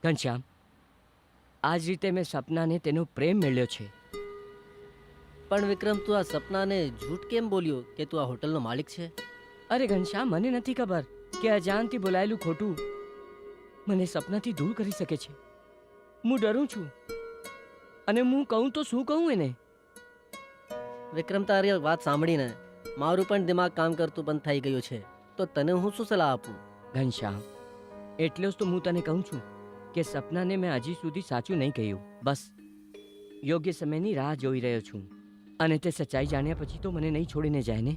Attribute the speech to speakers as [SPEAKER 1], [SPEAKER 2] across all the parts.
[SPEAKER 1] ઘનશ્યામ, આ જ રીતે મેં સપનાને તેનો પ્રેમ મેળ્યો છે.
[SPEAKER 2] પણ વિક્રમ, તું આ સપનાને જૂઠ કેમ બોલ્યો કે તું આ હોટલનો માલિક છે?
[SPEAKER 1] અરે ઘનશ્યામ, મને નથી ખબર કે અજાણથી બોલાયેલું ખોટું મને સપનાથી દૂર કરી શકે છે. હું ડરું છું, અને હું કહું તો શું કહું એને?
[SPEAKER 2] વિક્રમ, તારી વાત સાંભળીને મારું પણ દિમાગ કામ કરતું બંધ થઈ ગયું છે. તો તને હું શું સલાહ આપું?
[SPEAKER 1] ઘનશ્યામ, એટલે જ તો હું તને કહું છું કે સપનાને મેં હજી સુધી સાચું નહીં કહ્યું. બસ યોગ્ય સમયની રાહ જોઈ રહ્યો છું, અને તે સચ્ચાઈ જાણ્યા પછી તો મને નહીં છોડીને જાય ને.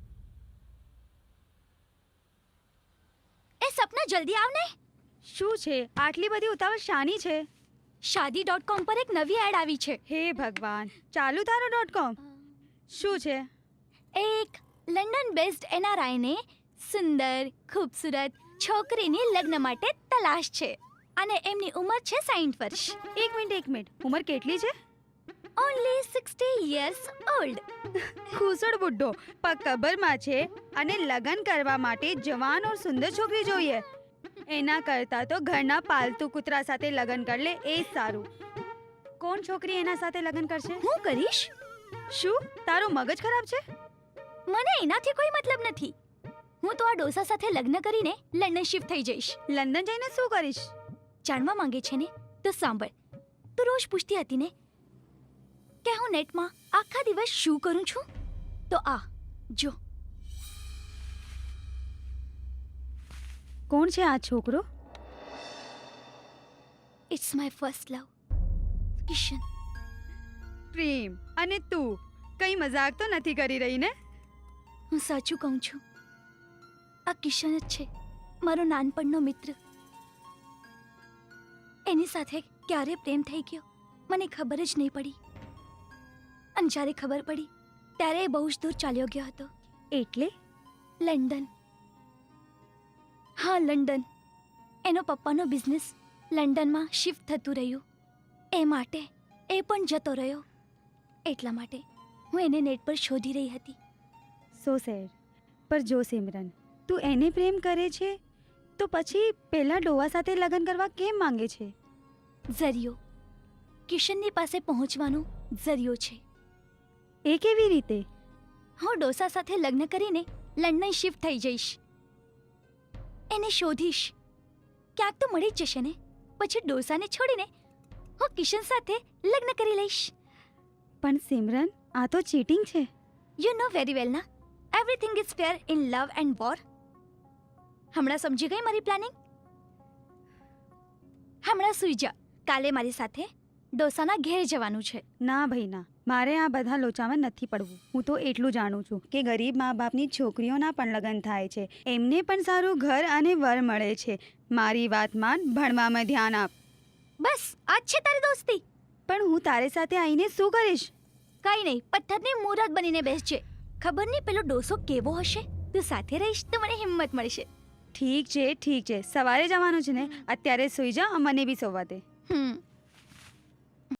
[SPEAKER 3] એ સપના, જલ્દી આવ ને.
[SPEAKER 4] શું છે આટલી બધી ઉતાવળ શાની છે?
[SPEAKER 3] શાદી.com પર એક નવી એડ આવી છે.
[SPEAKER 4] હે ભગવાન, ચાલુ તારો .com. શું છે?
[SPEAKER 3] એક લંડન બેઝડ NRI ને સુંદર ખૂબસૂરત છોકરીની લગ્ન માટે તલાશ છે, અને એમની ઉંમર છે 60 વર્ષ.
[SPEAKER 4] એક મિનિટ, ઉંમર કેટલી છે?
[SPEAKER 3] Only 60 years old.
[SPEAKER 4] ખુસડ બુઢ્ઢો પગ કબરમાં છે, અને લગ્ન કરવા માટે જવાન ઓર સુંદર છોકરી જોઈએ. એના કરતાં તો ઘરના પાલતુ કૂતરા સાથે લગ્ન કરી લે એ સારું. કોણ છોકરી એના સાથે લગ્ન કરશે?
[SPEAKER 3] હું કરીશ.
[SPEAKER 4] શું તારો મગજ ખરાબ છે?
[SPEAKER 3] મને એનાથી કોઈ મતલબ નથી. હું તો આ ડોસા સાથે લગ્ન કરીને લંડન શિફ્ટ થઈ જઈશ.
[SPEAKER 4] લંડન જઈને શું કરીશ?
[SPEAKER 3] જાણવા માંગે છે ને તો સાંભળ. તું રોજ પૂછતી હતી ને કે હું નેટમાં આખા દિવસ શું કરું છું, તો આ જો.
[SPEAKER 4] કોણ છે આ છોકરો?
[SPEAKER 3] It's my first love, Kishan.
[SPEAKER 4] પ્રેમ અને તું કઈ મજાક તો નથી કરી રહી ને?
[SPEAKER 3] હું સાચું કહું છું. આ કિશન જ છે, મારો નાનપણનો મિત્ર. એની સાથે ક્યારે પ્રેમ થઈ ગયો મને ખબર જ નહીં પડી, અને જ્યારે ખબર પડી ત્યારે એ બહુ જ દૂર ચાલ્યો ગયો હતો.
[SPEAKER 4] એટલે
[SPEAKER 3] લંડન. હા, લંડન. એનો પપ્પાનો બિઝનેસ લંડનમાં શિફ્ટ થતું રહ્યું, એ માટે એ પણ જતો રહ્યો. એટલા માટે હું એને નેટ પર શોધી રહી હતી.
[SPEAKER 4] So sad. પર જો સિમરન, તું એને પ્રેમ કરે છે તો પછી પેલા ડોવા સાથે લગ્ન કરવા કેમ માંગે છે?
[SPEAKER 3] ઝરિયો. કિશનની પાસે પહોંચવાનો ઝરિયો છે.
[SPEAKER 4] એ કેવી રીતે?
[SPEAKER 3] હું ડોસા સાથે લગ્ન કરીને લંડન શિફ્ટ થઈ જઈશ. એને શોધીશ. ક્યાંક તો મળી જ જશે ને. પછી ડોસાને છોડીને હું કિશન સાથે લગ્ન કરી લઈશ.
[SPEAKER 4] પણ સિમરન, આ તો ચીટિંગ છે.
[SPEAKER 3] યુ નો વેરી વેલ ના, everything is fair in love and war. હમણાં સમજી ગઈ મારી પ્લાનિંગ? હમણાં સૂઈ જા. કાલે મારી સાથે ડોસાના ઘેર જવાનું છે.
[SPEAKER 4] ના ભાઈ ના, મારે આ બધા લોચામાં નથી પડવું. હું તો એટલું જાણું છું કે ગરીબ મા બાપની છોકરીઓના પણ લગ્ન થાય છે, એમને પણ સારું ઘર અને વર મળે છે. મારી વાત માન, ભણવામાં ધ્યાન આપ.
[SPEAKER 3] બસ આજ છે તારી દોસ્તી.
[SPEAKER 4] પણ હું તારી સાથે આવીને શું કરીશ?
[SPEAKER 3] કઈ નહીં, પથ્થરની મૂરત બનીને બેસજે. ખબર નહીં પેલો ડોસો કેવો હશે. તું સાથે રહીશ તો મને હિંમત મળશે.
[SPEAKER 4] ઠીક છે, સવારે જવાનું છે ને, અત્યારે સૂઈ જા, મને બી સોવા દે.